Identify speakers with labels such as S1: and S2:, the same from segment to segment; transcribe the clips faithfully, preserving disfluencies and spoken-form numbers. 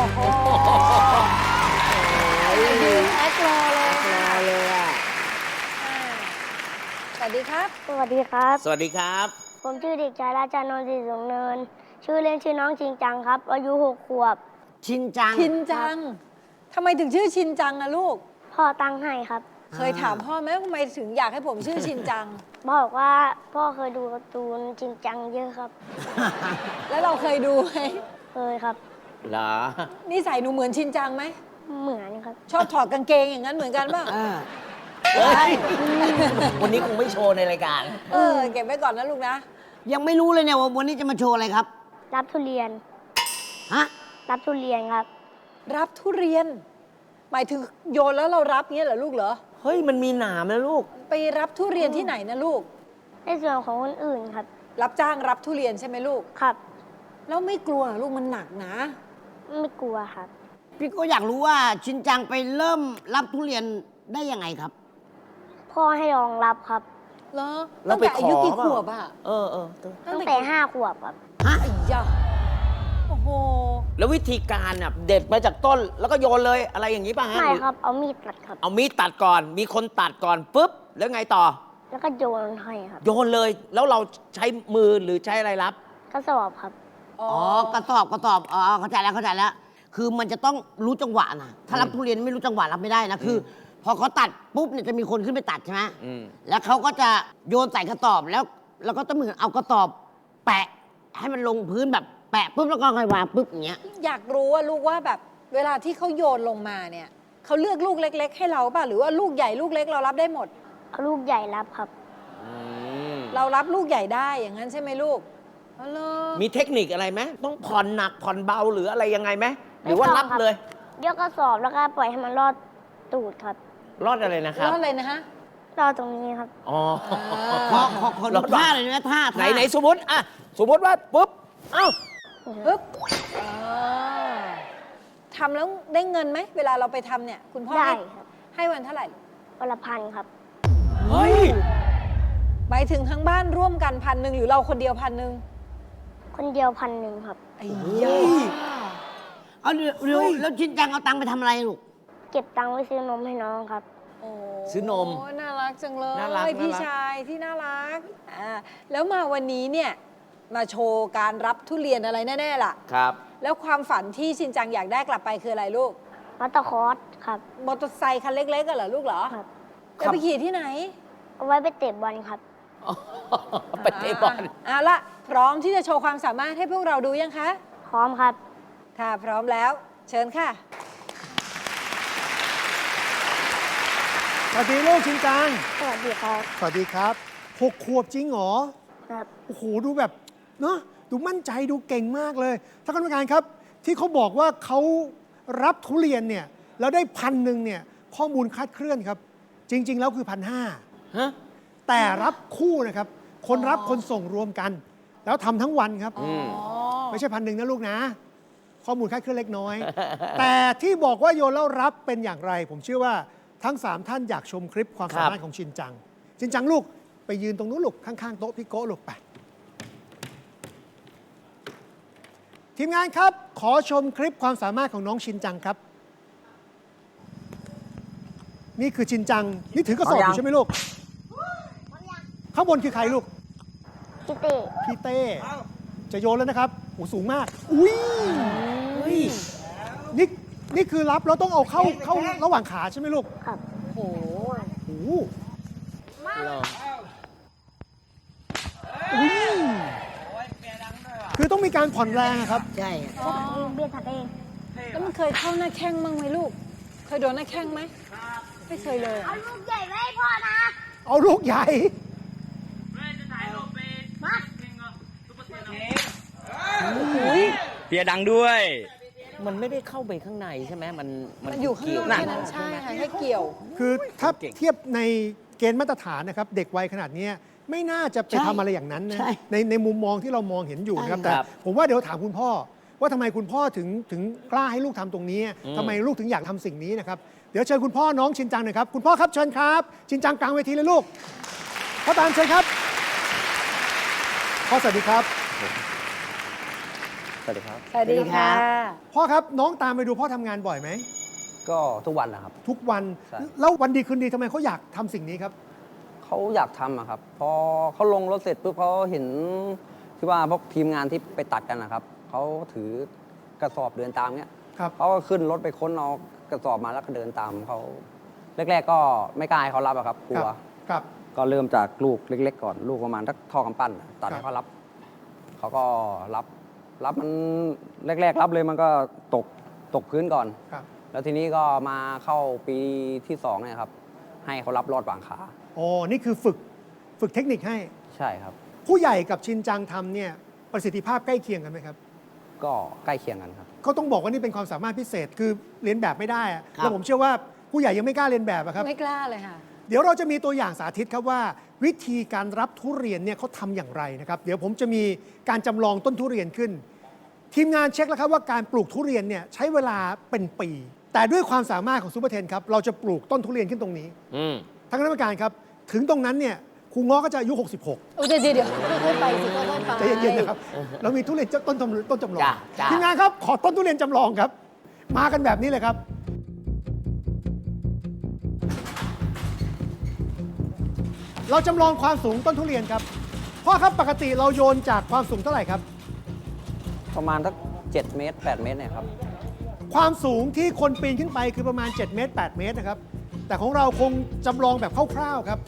S1: โหยืนแอครอเลยค่ะ
S2: เลยอ่ะ
S1: สวัสดีครับ
S3: สวัสดีครับ
S2: สวัสดีครับ
S3: ผมชื่อเด็กชายราชานนท์ศรีสูงเนิน ชื่อเล่นชื่อน้องชิงจังครับ อายุหกขวบ
S2: ชินจัง
S1: ชินจังทำไมถึงชื่อชินจังอะลูก
S3: พ่อตั้งให้ครับ
S1: เคยถามพ่อไหมว่าทำไมถึงอยากให้ผมชื่อชินจัง
S3: บอกว่าพ่อเคยดูการ์ตูนชิงจังเยอะครับ
S1: แล้วเราเคยดูไหม
S3: เคยครับ
S2: เหรอ
S1: นิสัยหนูเหมือนชินจังไหม
S3: เหมือนครับ
S1: ชอบถอดกางเกงอย่างนั้นเหมือนกันป่ะ
S2: เฮ้ย วันนี้คงไม่โชว์ในรายการ
S1: เออ เก็บไว้ก่อนนะลูกนะ
S4: ยังไม่รู้เลยเนี่ยว่าวันนี้จะมาโชว์อะไรครับ
S3: รับทุเรียน
S4: ฮะ
S3: รับทุเรียนครับ
S1: รับทุเรียน หมายถึงโยนแล้วเรารับเงี้ยเหรอลูกเหรอ
S2: เฮ้ย มันมีหนามนะลูก
S1: ไปรับทุเรียนที่ไหนนะลูก
S3: ในส่วนของคนอื่นครับ
S1: รับจ้างรับทุเรียนใช่ไหมลูก
S3: ครับ
S1: แล้วไม่กลัวเหรอลูกมันหนักนะ
S3: ไม่กลัวครับ
S4: พี่ก็อยากรู้ว่าชินจังไปเริ่มรับทุเรียนได้ยังไงครับ
S3: พ่อให้ลองรับครับ
S1: เหรอ
S2: เรา
S1: ตั้ง
S2: ไป
S1: แต่อายุ
S2: ขอ
S1: กี่
S2: เปล่า
S1: ขวบอะ
S2: เออเออ
S3: ตั้งแต่ห้าขวบครับ
S4: ฮะ
S1: ไอ้ยะโอ้โห
S2: แล้ววิธีการอ่ะเด็ดมาจากต้น แล้วก็โยนเลยอะไรอย่างนี้ป่ะฮะ
S3: ไม่ครับ เอามีดตัดครับ
S2: เอามีดตัดก่อน มีคนตัดก่อนปุ๊บ แล้วไงต่อ
S3: แล้วก็โยนให้ครับ
S2: โยนเลย แล้วเราใช้มือหรือใช้อะไรรับ
S3: กระสอบครับ
S1: อ๋อ
S4: อ๋อกระสอบกระสอบอ๋อเข้าใจแล้วเข้าใจแล้ว คือมันจะต้องรู้จังหวะนะถ้ารับทุเรียนไม่รู้จังหวะรับไม่ได้นะคือ พอเขาตัดปุ๊บเนี่ยจะมีคนขึ้นไปตัดใช่ไหม
S2: อืม
S4: แล้วเขาก็จะโยนใส่กระสอบแล้วแล้วก็ต้องเหมือนเอากระสอบ แปะให้มันลงพื้นแบบแปะปุ๊บแล้วก็ค่อยวางปุ๊บอย่างเงี้ย
S1: อยากรู้ว่าลูกว่าแบบเวลาที่เขาโยนลงมาเนี่ยเขาเลือกลูกเล็ก ๆ ให้เราป่ะหรือว่าลูกใหญ่ลูกเล็กเรารับได้หมด
S3: เอาลูกใหญ่รับครับ
S2: อืม
S1: เรารับลูกใหญ่ได้อย่างนั้นใช่ไหมลูกอ๋อเหรอ
S2: มีเทคนิคอะไรไหมต้องผ่อนหนักผ่อนเบาหรืออะไรยังไงไหมหรือว่า
S3: ไม่ต้
S2: รั
S3: อบ งครับ
S2: เลย
S3: ยกกระสอบแล้วก็ปล่อยให้มันรอดตูดครับ
S2: รอดอะไรนะครั
S1: แล้
S2: บ
S1: วอะไรนะฮะ
S3: รอดตรงนี้ครับ
S2: อ๋อ
S4: ขอขอขอดูท่าเลยนะท่า
S2: ไหน
S4: ท่า
S2: ไหนสมมติอ่ะสมมติว่าปุ๊บ เอ้า
S1: ปึ๊บอ่าทำแล้วได้เงินไหมเวลาเราไปทำเนี่ย คุณพ่อ
S3: ได้
S1: ให้
S3: ครับ
S1: ให้วันเท่าไหร่
S3: วันละพันครับ
S2: เฮ้ย
S1: หมายถึงทั้งบ้านร่วมกันพันหนึ่งหรือเราคนเดียวพันหนึ่ง
S3: คนเดียวพันหนึ่งครับ
S1: ไอ้
S2: เฮ้
S1: ยาย
S4: เอาเดี๋ยวเดี๋ยวแล้วชินจังเอาตังค์ไปทำอะไรลูก
S3: เก็บตังค์ไว้ซื้อนมให้น้องครับ
S1: โอ้
S2: ซื้อนม
S1: น่ารักจังเลย
S2: น่ารัก
S1: พี่
S2: น่ารัก
S1: ชายที่น่ารักอ่าแล้วมาวันนี้เนี่ยมาโชว์การรับทุเรียนอะไรแน่ ๆ ล่ะ
S2: ครับ
S1: แล้วความฝันที่ชินจังอยากได้กลับไปคืออะไรลูก
S3: มัตเตอร์คอร์สครับ
S1: มอเตอร์ไซค์คันเล็กๆกันเหรอลูกเหรอ
S3: ครับ
S1: จะไปขี่ที่ไหน
S3: เอาไว้ไปเตะบอลครับ
S2: ไปเตะบอล
S1: อ่ะละพร้อมที่จะโชว์ความสามารถให้พวกเราดูยังคะ
S3: พร้อมครับ
S1: ถ้าพร้อมแล้วเชิญค่ะ
S5: สวัสดีลูกชินจัง
S3: สวัสดีครับ
S5: สวัสดีครับหกขวบจริงเหรอ
S3: ครับ
S5: โอ้โห ดูแบบเนาะดูมั่นใจดูเก่งมากเลยท่านกรรมการครับ ที่เขาบอกว่าเขารับทุเรียนเนี่ยแล้วได้พันหนึ่งเนี่ยข้อมูลคลาดเคลื่อนครับ จริง ๆ แล้วคือพันห้า
S2: ฮะ
S5: แต่รับคู่นะครับ คนรับคนส่งรวมกัน แล้วทำทั้งวันครับ
S2: อืม
S5: ไม่ใช่พันหนึ่งนะลูกนะ ข้อมูลคลาดเคลื่อนเล็กน้อย แต่ที่บอกว่าโยนแล้วรับเป็นอย่างไร ผมเชื่อว่าทั้งสามท่านอยากชมคลิปความสามารถของชินจัง ชินจังลูกไปยืนตรงนู้นลูกข้างๆโต๊ะพี่โก้ลูกไปทีมงานครับ ขอชมคลิปความสามารถของน้องชินจังครับ นี่คือชินจัง นี่ถือกระสอบอยู่ใช่ไหมลูก ข้างบนคือใครลูก
S3: พี่เต้
S5: พี่เต้ จะโยนแล้วนะครับโอ้สูงมาก อุ้ย
S2: เฮ้ย
S5: นี่นี่คือรับแล้วต้องเอาเข้าเข้าระหว่างขาใช่ไหมลูก
S3: ครับ
S1: โอ้โห
S5: โอ้โห
S2: ลอง
S5: อุ้ยคือต้องมีการผ่อนแรงอะครับ
S4: ใช่
S3: เบียร์ถัดเอง
S1: แล้วมันเคยเข้าหน้าแข้งบ้างไหมลูก เคยโดนหน้าแข้งไหมไม่เคยเลยอะ
S3: เอาลูกใหญ่ไว้ให้พ่อนะ
S5: เอาลูกใหญ่
S6: เปียดังด้วย
S2: มันไม่ได้เข้าไปข้างในใช่ไหมมัน
S1: มันอยู่ข้างนอก
S2: เกี่ว
S1: แค่นั้นใช่ค่ะให้เกี่ยว
S5: คือถ้าเทียบในเกณฑ์มาตรฐานนะครับ เด็กวัยขนาดเนี้ยไม่น่าจะไปทำอะไรอย่างนั้นนะ
S4: ใช่
S5: ในในมุมมองที่เรามองเห็นอยู่นะครับ
S4: ใช่
S5: แต่
S2: ครับ
S5: ผมว่าเดี๋ยวถามคุณพ่อ ว่าทำไมคุณพ่อถึงถึงกล้าให้ลูกทำตรงนี้
S2: อืม
S5: ทำไมลูกถึงอยากทำสิ่งนี้นะครับ เดี๋ยวเชิญคุณพ่อน้องชินจังหน่อยครับคุณพ่อครับเชิญครับ ชินจังกลางเวทีเลยลูกพ่อตามเชิญครับพ่อสวัสดีครับ
S6: สวัสดีครับ
S1: สวัสดีค่ะ
S5: พ่อครับน้องตามไปดูพ่อทำงานบ่อยไหม
S6: ก็ทุกวันนะครับ
S5: ทุกวัน
S6: ใช่
S5: แล้ววันดีคืนดีทำไมเขาอยากทำสิ่งนี้ครับ
S6: เขาอยากทำอะครับ พอเขาลงรถเสร็จปุ๊บเขาเห็นที่ว่าพวกทีมงานที่ไปตัดกันนะครับเขาถือกระสอบเดินตามเนี้ย
S5: ครับ
S6: เขาก็ขึ้นรถไปค้นเอากระสอบมาแล้วก็เดินตามเขาแรกๆก็ไม่กล้าให้เขารับอะครับกลัว
S5: ครับ
S6: ก็เริ่มจากลูกเล็ก ๆ ก่อนลูกประมาณทักท่อกำปั้นอะตัด
S5: ครับ
S6: ให้เขารับเขาก็รับรับมันแรก ๆ รับเลยมันก็ตกตกพื้นก่อน
S5: ครับ
S6: แล้วทีนี้ก็มาเข้าปีที่สองเนี่ยครับ ให้เขารับรอดวางขา
S5: อ๋อนี่คือฝึกฝึกเทคนิคให้
S6: ใช่ครับ
S5: ผู้ใหญ่กับชินจังทำเนี่ยประสิทธิภาพใกล้เคียงกันไหมครับ
S6: ก็ใกล้เคียงกันครับ
S5: ก็ต้องบอกว่านี่เป็นความสามารถพิเศษคือเรียนแบบไม่ได้อะ
S4: ครับ
S5: แล้วผมเชื่อว่าผู้ใหญ่ยังไม่กล้าเรียนแบบอะครับ
S1: ไม่กล้าเลยค่ะ
S5: เดี๋ยวเราจะมีตัวอย่างสาธิตครับว่า วิธีการรับทุเรียนเนี่ยเขาทำอย่างไรนะครับ เดี๋ยวผมจะมีการจำลองต้นทุเรียนขึ้น ทีมงานเช็คแล้วครับว่าการปลูกทุเรียนเนี่ยใช้เวลาเป็นปี แต่ด้วยความสามารถของซูเปอร์เทนครับเราจะปลูกต้นทุเรียนขึ้นตรงนี้
S2: อืม
S5: ทางคณะกรรมการครับถึงตรงนั้นเนี่ยครูง้อก็จะอายุ หกสิบหก
S1: โอ้เดี๋ยวเดี๋ยวเดี๋ยวค่อยๆไปสิค่อยๆไป
S5: ใจเย็นๆนะครับ เรามีทุเรียนต้นจำต้นจำลอง
S2: จ้ะจ้ะ
S5: ทีมงานครับ ขอต้นทุเรียนจำลองครับ มากันแบบนี้เลยครับ เราจำลองความสูงต้นทุเรียนครับพ่อครับปกติเราโยนจากความสูงเท่าไหร่ครับ
S6: ประมาณสักเจ็ดเมตรแปดเมตรเนี่ยครับ
S5: ความสูงที่คนปีนขึ้นไปคือประมาณ เจ็ด เมตร แปด เมตรนะครับ แต่ของเราคงจำลองแบบคร่าวๆครับ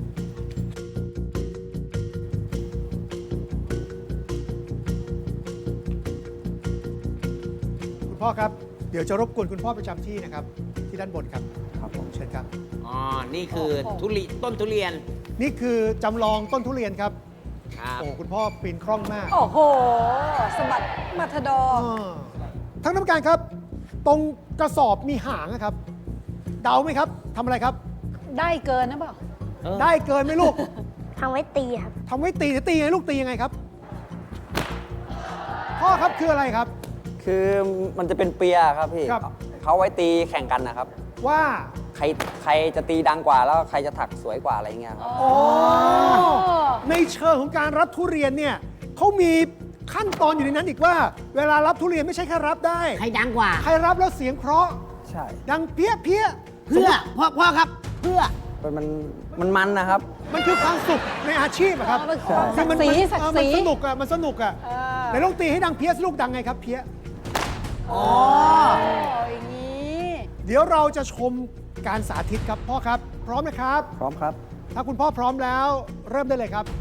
S5: คุณพ่อครับ เดี๋ยวจะรบกวนคุณพ่อประจำที่นะครับ ที่ด้านบนครับ
S6: ครับผม
S5: เชิญครับ
S2: อ๋อ นี่คือทุเรียนต้นทุเรียน
S5: นี่คือจำลองต้นทุเรียนครับ
S2: ครับ
S5: โอ้คุณพ่อปีนคล่องมาก
S1: โอ้โหสะบัดมัทดอ
S5: อ่าท่านกรรมการครับ ตรงกระสอบมีหางนะครับ เดาไหมครับทำอะไรครับ
S1: ได้เกินนะเปล่า
S2: เออ
S5: ได้เกินไหมลูก
S3: ทำไว้ตีครับ
S5: ทำไว้ตีจะตียังไงลูกตียังไงครับ พ่อครับคืออะไรครับ
S6: คือมันจะเป็นเปียครับพี่
S5: ครับ
S6: เขาไว้ตีแข่งกันนะครับ
S5: ว่า
S6: ใครใครจะตีดังกว่าแล้วใครจะถักสวยกว่าอะไรเงี้ยครับ
S5: อ๋อในเชิงของการรับทุเรียนเนี่ยเขามีขั้นตอนอยู่ในนั้นอีกว่า เวลารับทุเรียนไม่ใช่แค่รับได้
S4: ใครดังกว่า
S5: ใครรับแล้วเสียงเพราะ
S6: ใช่
S5: ดังเพี้ยเพี้ย
S4: เพื่อพ่อพ่อครับ เพื่อ
S6: มันมันมันมันนะครับ
S5: มันคือความสุขในอาชีพอะครับ
S1: อ๋อมัน
S6: ใช่
S1: ศักดิ์ศรี
S5: มัน
S1: ศัก
S5: เออ
S1: ดิ์ศ
S5: มัน
S1: รี
S5: สนุกอะมันสนุกอะ
S1: เออ
S5: ไหนลองตีให้ดังเพี้ยสิลูกดังไงครับเพี้ย
S1: โอ้อย่างนี้
S5: เดี๋ยวเราจะชมการสาธิตครับพ่อครับ พร้อมนะครับ
S6: พร้อมครับ
S5: ถ้าคุณพ่อพร้อมแล้วเริ่มได้เลยครับ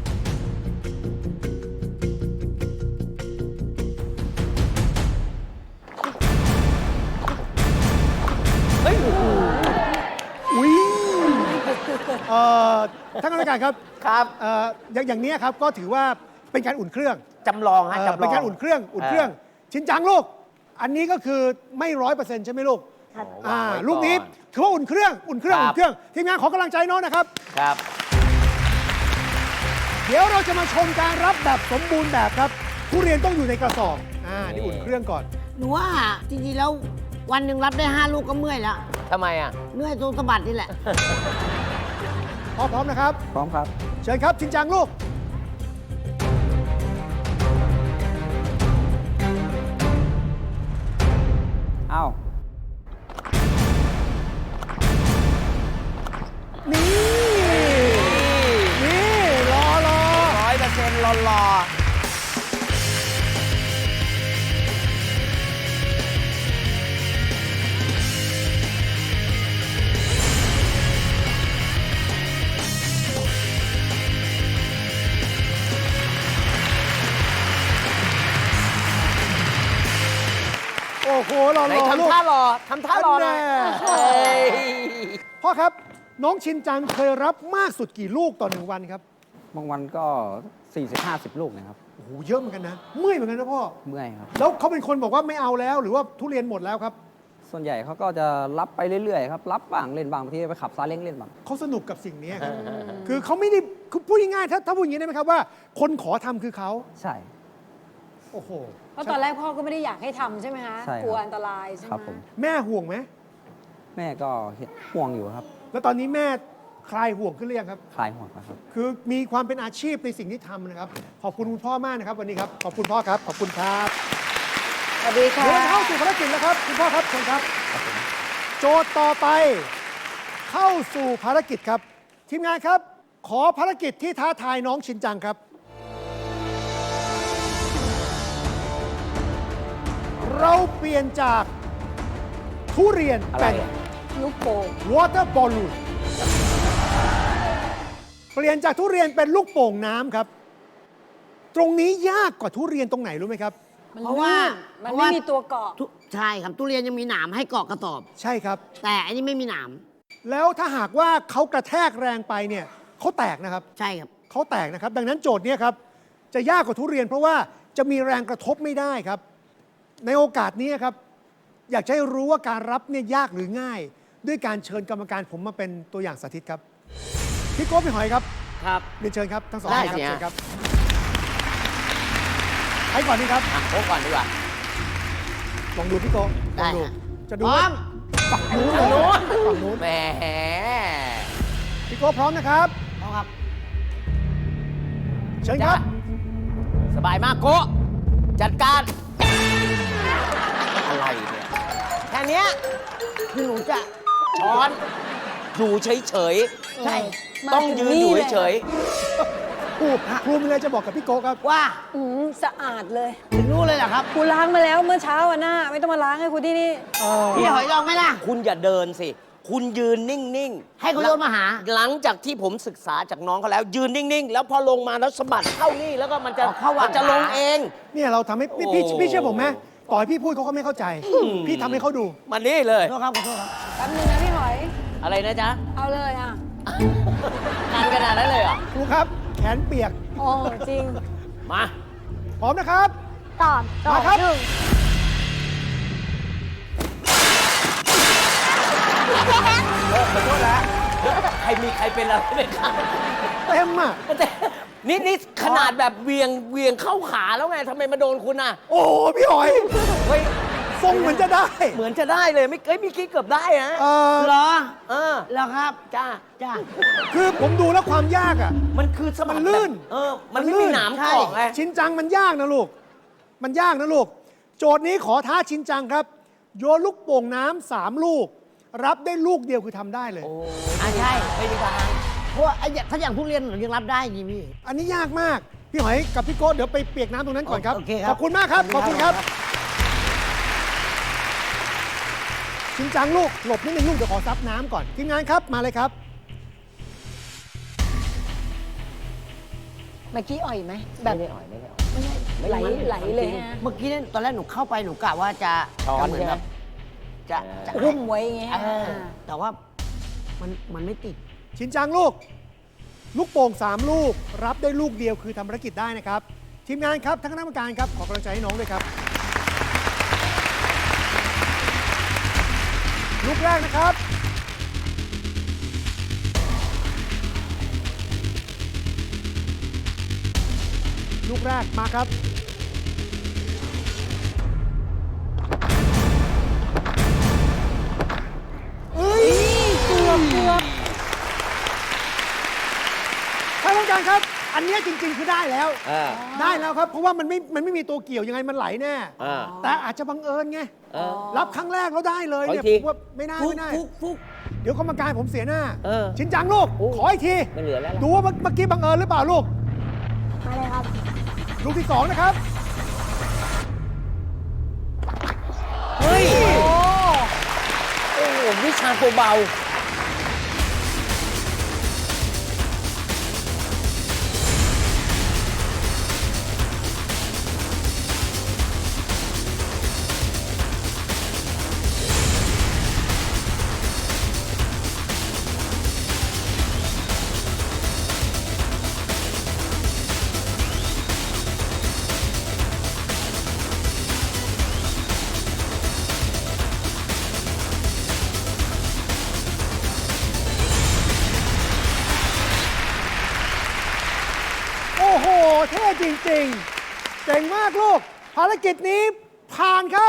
S2: เฮ้ย
S5: อุ้ยเอ่อท่านกรรมการครับ
S2: ครับ
S5: เอ่ออย่างอย่างนี้ครับก็ถือว่าเป็นการอุ่นเครื่อง
S2: จำลองฮะ
S5: เอ่อ
S2: จำลอง
S5: เป็นการอุ่นเครื่องอุ่นเครื่อง ชินจังลูก อันนี้ก็คือไม่ร้อยเปอร์เซ็นต์ใช่ไหมลูก
S3: ครับ
S5: อ่าว
S2: างไว้ก่อน
S5: ลูกนี้ถือว่าอุ่นเครื่องอุ่นเครื่อง
S2: ครับ
S5: อุ่นเครื่องทีมงานขอกำลังใจน้องนะครับ
S2: ครับ
S5: เดี๋ยวเราจะมาชมการรับแบบสมบูรณ์แบบครับทุเรียนต้องอยู่ในกระสอบอ่านี่อุ่นเครื่องก่อน
S4: หนูว่าจริงๆแล้ววันหนึ่งรับได้ห้าลูกก็เมื่อยแล้ว
S2: ทำไมอ่ะ
S4: เมื่อยตรงสะบัดนี่แหละ
S5: พร้อมพร้อมนะครับ
S6: พร้อมครับ
S5: เชิญครับชินจังลูก
S6: อ้าว
S5: นี่ นี่ รอรอ
S2: ร้อยเปอร์เซ็นต์รอรอ
S5: โอ้โห รอ
S2: ไหน
S5: รอลูก
S2: ทำท่ารอทำท่ารอหน่อย
S5: อันแน่
S2: เฮ้ย
S5: พ่อครับ น้องชินจังเคยรับมากสุดกี่ลูกต่อหนึ่งวันครับ
S6: บางวันก็สี่สิบห้าสิบลูกนะครับ
S5: โอ้โห เยอะเหมือนกันนะ เมื่อยเหมือนกันนะพ่อ
S6: เมื่อยครับ
S5: แล้วเขาเป็นคนบอกว่าไม่เอาแล้ว หรือว่าทุเรียนหมดแล้วครับ
S6: ส่วนใหญ่เขาก็จะรับไปเรื่อยๆครับ รับบ้างเล่นบ้างบางทีไปขับซาเล้งเล่นบ้าง
S5: เขาสนุกกับสิ่งนี้ครับ คือเขาไม่ได้คือพูดง่ายๆถ้าถ้าพูดอย่างนี้ได้ไหมครับว่า คนขอทำคือเขา
S6: ใช่
S5: โอ้โห
S1: เพราะตอนแรกพ่อก็ไม่ได้อยากให้ทำใช่ไหมคะ
S6: ใช่ครับ
S1: กลัวอันตรายใช่ไหม
S6: ครับผม
S5: แม่ห่วงไหม
S6: แม่ก็เห็นห่วงอยู่ครับ
S5: แล้วตอนนี้แม่คลายห่วงขึ้นหรือยังครับ
S6: คลายห่วงนะครับ
S5: คือมีความเป็นอาชีพในสิ่งที่ทำนะครับ ขอบคุณคุณพ่อมากนะครับ วันนี้ครับ ขอบคุณพ่อครับ ขอบคุณครับ
S1: สวัสดีค่ะ
S5: เดี๋ยวเราจะเข้าสู่ภารกิจแล้วครับคุณพ่อครับเชิญครับ โจทย์ต่อไปเข้าสู่ภารกิจครับ ทีมงานครับ ขอภารกิจที่ท้าทายน้องชินจังครับ เราเปลี่ยนจากทุเรียน
S2: อะไร
S5: เป็น
S2: อะ
S1: ลูกโป่ง
S5: water balloon เปลี่ยนจากทุเรียนเป็นลูกโป่งน้ำครับ ตรงนี้ยากกว่าทุเรียนตรงไหนรู้ไหมครับ
S1: มัน
S4: เพราะว่า
S1: ลื่นมัน
S4: เพราะ
S1: ไม่
S4: ว่า
S1: มีตัวเกาะ
S4: ทุใช่ครับทุเรียนยังมีหนามให้เกาะกระสอบ
S5: ใช่ครับ
S4: แต่อันนี้ไม่มีหนาม
S5: แล้วถ้าหากว่าเขากระแทกแรงไปเนี่ยเขาแตกนะครับ
S4: ใช่ครับ
S5: เขาแตกนะครับ ดังนั้นโจทย์เนี้ครับจะยากกว่าทุเรียน เพราะว่าจะมีแรงกระทบไม่ได้ครับ ในโอกาสนี้ครับ อยากจะให้รู้ว่าการรับเนี่ยยากหรือง่าย ด้วยการเชิญกรรมการผมมาเป็นตัวอย่างสาธิตครับพี่โก้พี่หอยครับ
S2: ครับ
S5: เรียนเชิญครับทั้งสอง
S2: ได้
S5: ท่านครับ
S2: สิฮะ
S5: เชิญครับใครก่อนดีครับ
S2: อ่ะโค้กก่อนดีกว่า
S5: ลองดูพี่โก้ล
S4: ได้
S5: องดู
S4: ฮะ
S5: จะดู
S4: พร้อ
S5: ว่าม ฝั่งนู้นเลยฝั่งนู้น
S2: แหม
S5: พี่โก้พร้อมนะครับ
S4: พร้อมครับ
S5: เชิญครับ
S2: สบายมากโกะจัดการ อะไรเนี่ย แค่เนี้ย
S4: คือหนูจะ
S2: ช้อนอยู่เฉย
S4: ใช่
S2: ๆ ต้องยืนอยู่เฉย
S5: ครูครูมีอะไรจะบอกกับพี่โก้ครับ
S4: ว่า
S1: อืมสะอาดเลย
S4: ถึงรู้เลยเหรอครับ
S1: กูล้างมาแล้วเมื่อเช้าอ่ะหน้า ไม่ต้องมาล้างให้กูที่นี่
S5: เออ
S4: พี่หอยลองไหมล่ะ
S2: ๆ คุณอย่าเดินสิ คุณยืนนิ่งๆ
S4: ให้เขาโยนมาหา
S2: หลังจากที่ผมศึกษาจากน้องเขาแล้ว ยืนนิ่งๆ แล้วพอลงมาแล้วสะบัดเข้านี่แล้วก็มันจะ
S4: อ๋อเข้าหว่าง
S2: มันจะลงเอง
S5: เนี่ยเราทำให้พี่พี่
S2: โอ้
S5: พี่เชื่อผมไหมต่อให้พี่พูดเขาก็ไม่เข้าใจ พี่ทำให้เขาดู
S2: มานี่เลย
S4: ขอโทษครับขอโทษครับ
S1: แป๊บนึงนะพี่หอย
S2: อะไรนะจ๊ะ
S1: เอาเลยอ่ะ
S2: นานขนาดนั้นเลยเหรอ
S5: ครูครับ แขนเปียก
S1: โอ้จริง
S2: มา
S5: พร้อมนะครับ
S3: ตอบตอบ
S5: มาครับ
S3: หนึ่ง
S2: ขอโทษนะใครมีใครเป็นอะไรไหมครับ
S5: เต็มอ่ะ
S2: แต่นี่นี่ขนาดแบบเวียงเวียงเข้าขาแล้วไงทำไมมาโดนคุณอ่ะ
S5: โอ้โหพี่หอย
S2: เฮ้ย
S5: ทรงเหมือนจะได้
S2: เหมือนจะได้เลยไม่เอ้ยเมีกี้เกือบได้นะ
S5: เออ
S4: เหรอ
S2: เออ
S4: เหรอครับ
S2: จ้า
S4: จ้า
S5: คือผมดูแล้วความยากอ่ะ
S2: มันคือสะบัด
S5: มันลื่น
S2: แบบเออ มันไม่มีหนาม
S5: ใช่
S2: เกาะไง
S5: ชินจังมันยากนะลูก มันยากนะลูก โจทย์นี้ขอท้าชินจังครับ โยนลูกโป่งน้ำสามลูก รับได้ลูกเดียวคือทำได้เลย
S2: โอ้
S4: อ่ะใช่
S2: ไม่มีทาง
S4: เพราะว่าไอ้อย่างถ้าอย่างทุเรียนหนูยังรับได้จริงพี่
S5: อันนี้ยากมาก พี่หอยกับพี่โก้เดี๋ยวไปเปียกน้ำตรงนั้นก่อนครับ
S4: โอเคครับ
S5: ขอบคุณมากครับ ขอบคุณครับ ชินจังลูก หลบนิดนึงลูก เดี๋ยวขอซับน้ำก่อน ทีมงานครับ มาเลยครับ
S1: เมื่อกี้อ่อยไหม แบบ
S2: ไม่ได้อ่อยไม่ได้อ่อย
S1: ไม่ใช่ไหลไหลเลยฮะ
S4: เมื่อกี้เนี่ยตอนแรกหนูเข้าไปหนูกะว่าจะ
S2: ช้อน
S4: จะเหมือน
S2: ใช่ไหม
S4: แบบจะจะ
S1: หุ้มไว้อย่างเงี้ย
S4: เออแต่ว่ามันมันไม่ติด
S5: ชินจังลูก ลูกโป่งสามลูก รับได้ลูกเดียวคือทำภารกิจได้นะครับ ทีมงานครับทั้งคณะกรรมการครับ ขอกำลังใจให้น้องด้วยครับ ลูกแรกนะครับ ลูกแรกมาครับ เอ้ยเกือบเกือบท่านผู้การครับ อันเนี้ยจริง ๆ คือได้แล้ว
S2: เออ
S5: ได้แล้วครับ เพราะว่ามันไม่ มันไม่มีตัวเกี่ยวยังไงมันไหลแน่
S2: อ่า
S5: แต่อาจจะบังเอิญไง
S2: เออ
S5: รับครั้งแรกแล้วได้เลยเนี่ย
S2: ขออีกที
S5: ผมว่าไม่น่า
S2: ฟุก
S5: ไม่น่า
S2: ฟุกฟุก
S5: เดี๋ยวกรรมการผมเสียหน้า
S2: เออ
S5: ชินจังลูก
S2: โอ้
S5: ขออีกที
S2: ไม่เหลือแล้วล่ะ
S5: ดูว่าเมื่อเมื่อกี้บังเอิญหรือเปล่าลูก
S3: มาเลยครับ
S5: ลูกที่สองนะครับ
S2: เฮ้ย โอ้โหวิชาตัวเบา
S5: โอ้โห เท่จริงๆ เจ๋งมากลูก ภารกิจนี้ผ่านครับ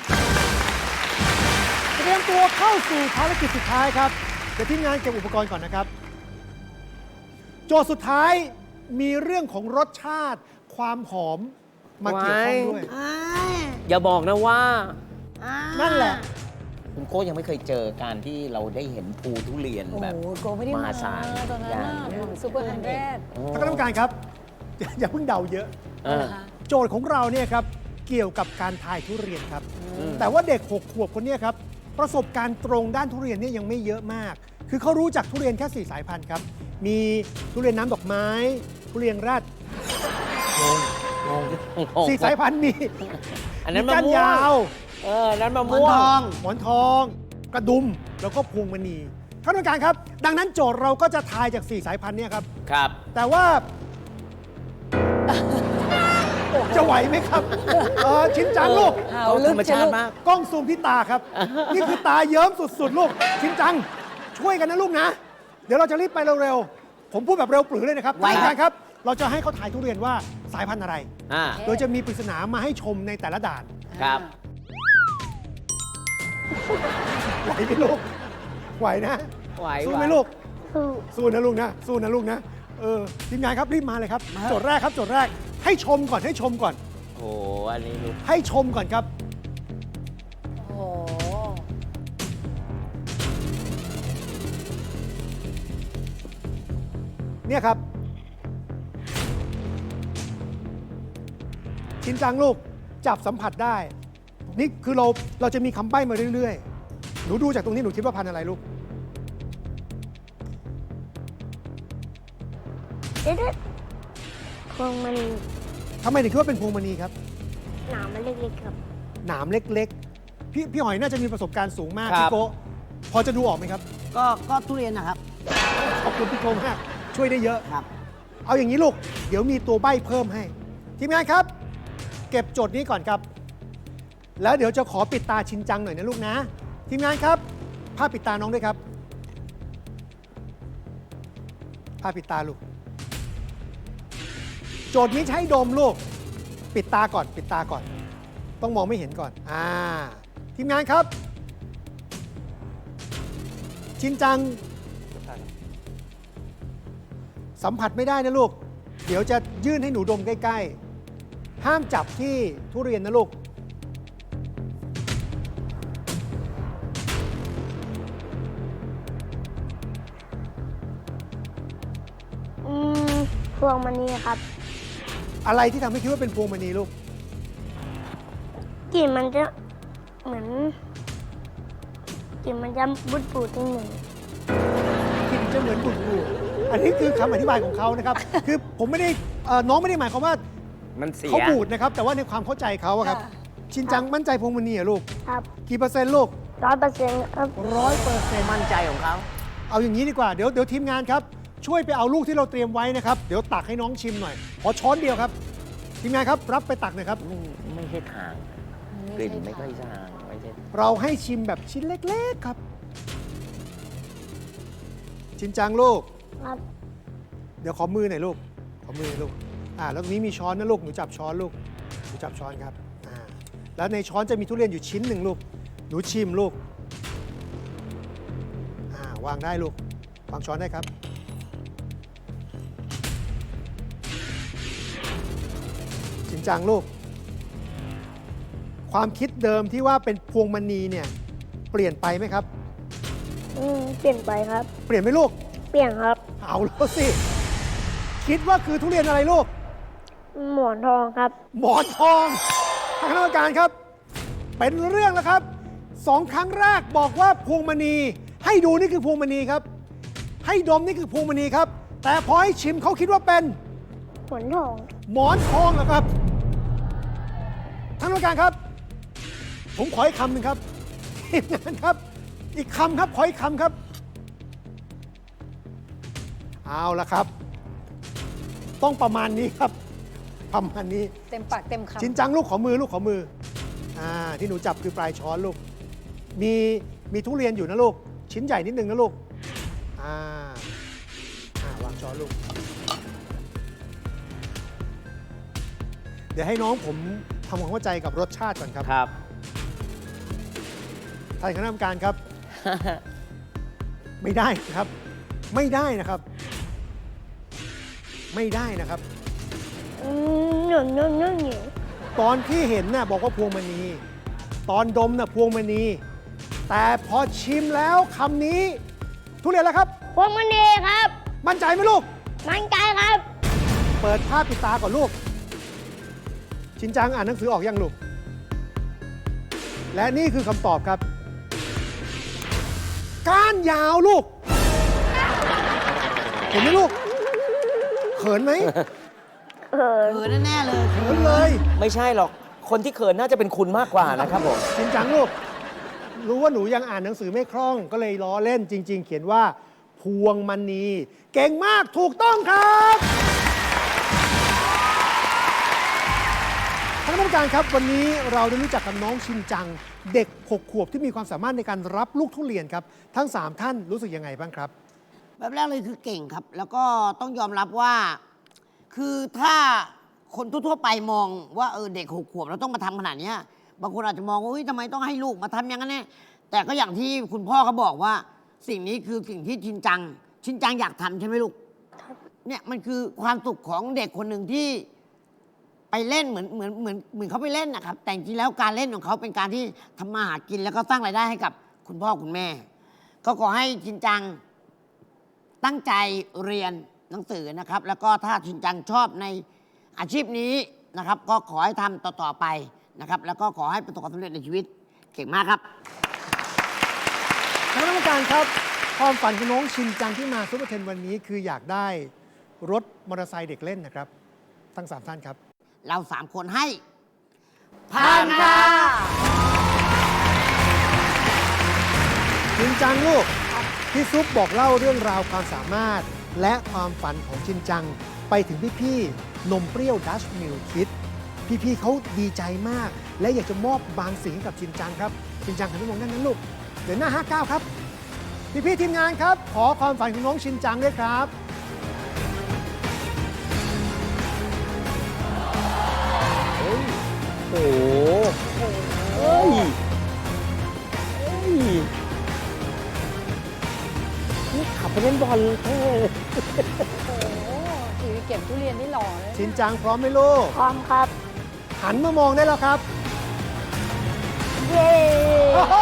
S5: เตรียมตัวเข้าสู่ภารกิจสุดท้ายครับ เดี๋ยวทีมงานเก็บอุปกรณ์ก่อนนะครับ โจทย์สุดท้ายมีเรื่องของรสชาติความหอมมาเกี่ยวข้องด้วย
S4: อ้าย
S2: อย่าบอกนะว่า
S5: นั่นแหละ
S2: คุณโก้ยังไม่เคยเจอการที่เราได้เห็นภูทุเรียน
S1: โอ้
S2: แบบ
S1: โหโกไม่ได้
S2: ม
S1: มา
S2: หาศาล
S1: ตอนนั้น
S2: อย่าง
S1: น่ะ
S2: เงี้ย
S1: ซูเปอร์ฮันเดรด
S2: โอ้
S5: ท่านคณะกรรมการครับ อย่าอย่าเพิ่งเดาเยอะ
S2: เออ
S5: โจทย์ของเราเนี่ยครับเกี่ยวกับการทายทุเรียนครับ
S2: อืม
S5: แต่ว่าเด็กหกขวบคนเนี้ครับประสบการณ์ตรงด้านทุเรียนเนี่ยยังไม่เยอะมาก คือเขารู้จักทุเรียนแค่สี่สายพันธุ์ครับ มีทุเรียนน้ำดอกไม้ ทุเรียนแรด
S2: งงงง
S5: สี่สายพันธุ์มี
S2: อันนั้น
S5: มี
S2: มะ
S5: ก้าน
S2: ม่วง
S5: ยาว
S2: เอออันนั้นมะ
S4: หมอน
S2: ม่ว
S4: ท
S2: ง
S4: อง
S5: หมอนทอง กระดุม แล้วก็พวงมณีท่านผู้การครับ ดังนั้นโจทย์เราก็จะทายจากสี่สายพันธุ์เนี่ยครับ
S2: ครับ
S5: แต่ว่า จะไหวไหมครับเออชินจังลูก
S1: หา
S2: เขา
S1: ลึ
S2: ธ
S1: ก
S2: รรม
S1: จะ
S2: ชา
S1: ลู
S2: ติ
S1: ก
S2: มาก
S5: กล้องซูมที่ตาครับ นี่คือตาเยิ้มสุด ๆ ลูก ชินจัง ช่วยกันนะลูกนะ เดี๋ยวเราจะรีบไปเร็ว ๆ ผมพูดแบบเร็วปรือเลยนะครับ
S4: ไวครับ
S5: ท่านผู้การครับ เราจะให้เขาถ่ายทุเรียนว่าสายพันธุ์อะไร
S2: อ่า
S5: โดยจะมีปริศนามาให้ชมในแต่ละด่าน
S2: ครับ
S5: ไหวไหมลูก ไหวนะ
S2: ไหว
S5: สู้
S2: ไหว
S5: ไหมลูก
S3: สู้
S5: สู้นะลูกนะ สู้นะลูกนะ เออ ทีมงานครับรีบมาเลยครับ โจทย์แรกครับ โจทย์แรก ให้ชมก่อน ให้ชมก่อน
S2: โอ้โหอันนี้ลูก
S5: ให้ชมก่อนครับ
S1: โอ้โห
S5: เนี่ยครับ ชินจังลูก จับสัมผัสได้ นี่คือเราเราจะมีคำใบ้มาเรื่อยๆ หนูดูจากตรงนี้หนูคิดว่าพันธุ์อะไรลูก
S3: เด็ดพวงมัน
S5: ทำไมถึงคิดว่าเป็นพวงมณีครับ
S3: หนามมันเล็กๆครับ
S5: หนามเล็กๆ พี่พี่หอยน่าจะมีประสบการณ์สูงมาก
S2: ครับ
S5: พี่โกะพอจะดูออกไหมครับ
S4: ก็ก็ทุเรียนนะครับ
S5: ขอบคุณพี่โกะมาก ช่วยได้เยอะ
S4: ครับ
S5: เอาอย่างนี้ลูก เดี๋ยวมีตัวใบ้เพิ่มให้ ทีมงานครับ เก็บโจทย์นี้ก่อนครับ แล้วเดี๋ยวจะขอปิดตาชินจังหน่อยนะลูกนะ ทีมงานครับผ้าปิดตาน้องด้วยครับผ้าปิดตาลูก โจทย์นี้ใช้ดมลูก ปิดตาก่อน ปิดตาก่อน ต้องมองไม่เห็นก่อน อ่า ทีมงานครับ ชินจัง สัมผัสไม่ได้นะลูก เดี๋ยวจะยื่นให้หนูดมใกล้ๆ ห้ามจับที่ทุเรียนนะลูก
S3: อืมพวงมันนี่ครับ
S5: อะไรที่ทำให้คิดว่าเป็นพวงมณีลูก
S3: กลิ่นมันจะเหมือนกลิ่นมันจะบุดปูดนิดหนึ่ง
S5: กลิ่นจะเหมือนบุดบูอันนี้คือคำอธิบายของเขานะครับ คือผมไม่ได้เอ่อน้องไม่ได้หมายความว่า
S2: มันเสีย
S5: เขาบูดนะครับ แต่ว่าในความเข้าใจเขาอะครับ
S1: ค่ะ
S5: ชินจังมั่นใจพวงมณีเหรอลูก
S3: ครับ
S5: กี่เปอร์เซ็นต์ลูก
S3: ร้อยเปอร์เซ็นต์ครับ
S5: ร้อยเปอร์เซ็นต์
S2: มั่นใจของเขา
S5: เอาอย่างนี้ดีกว่า เดี๋ยวเดี๋ยวทีมงานครับ ช่วยไปเอาลูกที่เราเตรียมไว้นะครับ เดี๋ยวตักให้น้องชิมหน่อย ขอช้อนเดียวครับ ทีมงานครับรับไปตักหน่อยครับ
S2: ไม่ไม่ใช่ทางกลิ่นไม่ค่อยทางไม่ใช่
S5: เราให้ชิมแบบชิ้นเล็กๆครับ ชินจังลูก
S3: ครับ
S5: เดี๋ยวขอมือหน่อยลูก ขอมือหน่อยลูก อ่า แล้วตรงนี้มีช้อนนะลูก หนูจับช้อนลูก หนูจับช้อนครับ อ่า แล้วในช้อนจะมีทุเรียนอยู่ชิ้นหนึ่งลูก หนูชิมลูก อ่า วางได้ลูก วางช้อนได้ครับ ชินจังลูก ความคิดเดิมที่ว่าเป็นพวงมณีเนี่ย เปลี่ยนไปไหมครับ
S3: อืมเปลี่ยนไปครับ
S5: เปลี่ยนไหมลูก
S3: เปลี่ยนครับ
S5: เอาแล้วสิ คิดว่าคือทุเรียนอะไรลูก
S3: หมอนทองครับ
S5: หมอนทองทางคณะกรรมการครับ เป็นเรื่องแล้วครับสองครั้งแรกบอกว่าพวงมณี ให้ดูนี่คือพวงมณีครับ ให้ดมนี่คือพวงมณีครับ แต่พอให้ชิมเขาคิดว่าเป็น
S3: หมอนทอง
S5: หมอนทองเหรอครับท่านกรรมการครับ ผมขออีกคำหนึ่งครับทีมงานครับ อีกคำครับขออีกคำครับ เอาละครับ ต้องประมาณนี้ครับ ประมาณนี้
S1: เต็มปากเต็มคำ
S5: ชินจังลูกขอมือลูกขอมือ อ่า ที่หนูจับคือปลายช้อนลูก มีมีทุเรียนอยู่นะลูก ชิ้นใหญ่นิดนึงนะลูก อ่า อ่าวางช้อนลูก เดี๋ยวให้น้องผมทำความเข้าใจกับรสชาติก่อนครับ
S2: ครับ
S5: ท่านคณะกรรมการครับ ไม่ได้นะครับ ไม่ได้นะครับ ไม่ได้นะครับ
S3: อืมหนุ่มนุ่มนุ่มหนิว
S5: ตอนที่เห็นน่ะบอกว่าพวงมณี ตอนดมน่ะพวงมณี แต่พอชิมแล้วคำนี้ ทุเรียนแล้วครับ
S3: พวงมณีครับ
S5: มั่นใจไหมลูก
S3: มั่นใจครับ
S5: เปิดภาพปิดตาก่อนลูก ชินจังอ่านหนังสือออกยังลูก และนี่คือคำตอบครับ ก้านยาวลูก เห็นไหมลูก เขินไหม
S3: เออ
S4: เออแน่ๆเลย
S5: เขินเลย
S2: ไม่ใช่หรอก คนที่เขินน่าจะเป็นคุณมากกว่านะครับผม
S5: ชินจังลูก รู้ว่าหนูยังอ่านหนังสือไม่คล่อง ก็เลยล้อเล่นจริง ๆ เขียนว่า พวงมณี เก่งมากถูกต้องครับท่านผู้การครับ วันนี้เราได้รู้จักกับน้องชินจัง เด็กหกขวบที่มีความสามารถในการรับลูกทุเรียนครับ ทั้งสามท่านรู้สึกยังไงบ้างครับ
S4: แบบแรกเลยคือเก่งครับ แล้วก็ต้องยอมรับว่า คือถ้าคนทั่วๆไปมองว่าเออเด็กหกขวบแล้วต้องมาทำขนาดเนี้ยบางคนอาจจะมองว่าเฮ้ยทำไมต้องให้ลูกมาทำอย่างนั้นเนี่ยแต่ก็อย่างที่คุณพ่อเขาบอกว่า สิ่งนี้คือสิ่งที่ชินจัง ชินจังอยากทำใช่ไหมลูกเนี่ยมันคือความสุขของเด็กคนหนึ่งที่ไปเล่นเหมือนเหมือนเหมือนเหมือนเขาไปเล่นนะครับแต่จริงๆแล้วการเล่นของเขาเป็นการที่ทำมาหากินแล้วก็สร้างรายได้ให้กับคุณพ่อคุณแม่ ก็ขอให้ชินจัง ตั้งใจเรียนหนังสือนะครับ แล้วก็ถ้าชินจังชอบในอาชีพนี้นะครับ ก็ขอให้ทำต่อ ๆ ไปนะครับ แล้วก็ขอให้ประสบความสำเร็จในชีวิต เก่งมากครับ
S5: ท่านผู้การครับ ความฝันของน้องชินจังที่มาซุปเปอร์เทนวันนี้คืออยากได้รถมอเตอร์ไซค์เด็กเล่นนะครับ ทั้งสามท่านครับ
S4: เราสามคนให้
S3: ผ่านค่ะ
S5: ชินจังลูก พี่ซุปบอกเล่าเรื่องราวความสามารถ และความฝันของชินจัง ไปถึงพี่ๆนมเปรี้ยวดัชมิลคิด พี่ๆเขาดีใจมาก และอยากจะมอบบางสิ่งให้กับชินจังครับ ชินจังหันไปมองด้านนั้นลูกเดี๋ยวหน้าห้าเก้าครับ พี่ๆทีมงานครับ ขอความฝันของน้องชินจังด้วยครับ
S2: โอ้โหเฮ้ยเฮ้ยนี่ขับไปเล่นบอลเท่เลย
S1: โอ้โหถือเก็บทุเรียนนี่หล่อเลย
S5: ชินจังพร้อมไหมลูก
S3: พร้อมครับ
S5: หันมามองได้แล้วครับ
S3: เย้
S5: โอ้โห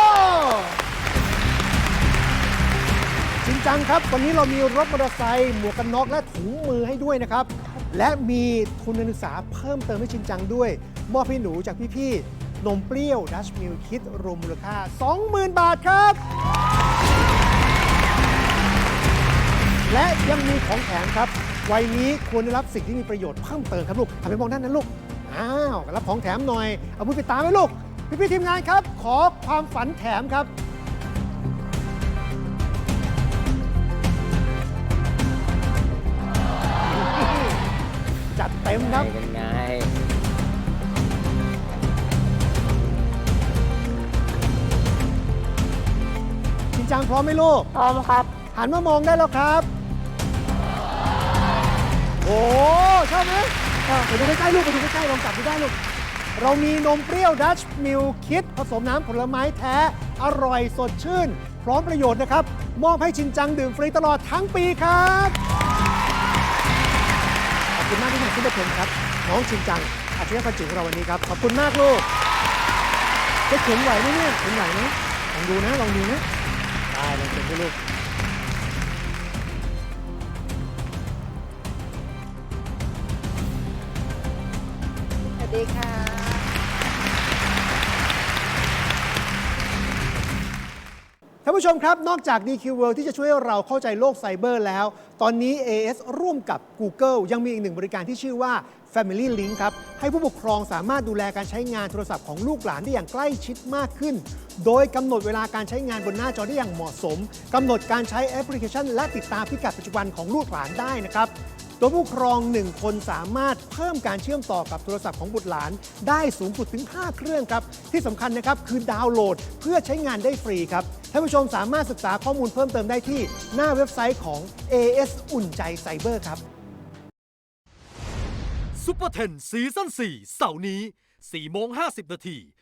S5: ชินจังครับ วันนี้เรามีรถมอเตอร์ไซค์หมวกกันน็อกและถุงมือให้ด้วยนะครับ และมีทุนการศึกษาเพิ่มเติมให้ชินจังด้วย มอบให้หนูจากพี่ๆนมเปรี้ยวดัชมิลคิดรวมมูลค่า สองหมื่น บาทครับ และยังมีของแถมครับ วัยนี้ควรได้รับสิ่งที่มีประโยชน์เพิ่มเติมครับลูกทำไปมองด้านนั้นลูก อ้าวรับของแถมหน่อย เอามือไปตามไว้ลูก พี่ๆทีมงานครับ ขอความฝันแถมครับ จัดเต็มครับ
S2: เป็นไง
S5: ชินจังพร้อมไหมลูก
S3: พร้อมครับ
S5: หันมามองได้แล้วครับ โอ้ชอบไหมชอบไปดูใกล้ๆลูกไปดูใกล้ๆลองจับดูได้ลูก เรามีนมเปรี้ยวดัชมิลคิดผสมน้ำผลไม้แท้ อร่อยสดชื่น พร้อมประโยชน์นะครับ มอบให้ชินจังดื่มฟรีตลอดทั้งปีครับ ขอบคุณมากที่มาซุปเปอร์เทนครับ น้องชินจังอาชีพพันจิ๋วของเราวันนี้ครับ ขอบคุณมากลูก จะเข็นไหวไหมเนี่ยเข็นไหวไหมลองดูนะ ลองดูนะได้ลองเข็นดูลูก
S1: สวัสดีค่ะ
S5: ท่านผู้ชมครับ นอกจาก ดี คิว World ที่จะช่วยให้เราเข้าใจโลกไซเบอร์แล้ว ตอนนี้ เอ เอส ร่วมกับ Google ยังมีอีกหนึ่งบริการที่ชื่อว่า Family Link ครับ ให้ผู้ปกครองสามารถดูแลการใช้งานโทรศัพท์ของลูกหลานได้อย่างใกล้ชิดมากขึ้น โดยกำหนดเวลาการใช้งานบนหน้าจอได้อย่างเหมาะสมกำหนดการใช้แอปพลิเคชัน และติดตามพิกัดปัจจุบันของลูกหลานได้นะครับ โดยผู้ปกครองหนึ่งคนสามารถเพิ่มการเชื่อมต่อกับโทรศัพท์ของบุตรหลานได้สูงสุดถึงห้าเครื่องครับ ที่สำคัญนะครับคือดาวน์โหลดเพื่อใช้งานได้ฟรีครับ ท่านผู้ชมสามารถศึกษาข้อมูลเพิ่มเติมได้ที่หน้าเว็บไซต์ของ เอ เอส อุ่นใจไซเบอร์ครับ
S7: ซุปเปอร์เทนซีซั่นสี่เสาร์นี้สี่โมงห้าสิบนาที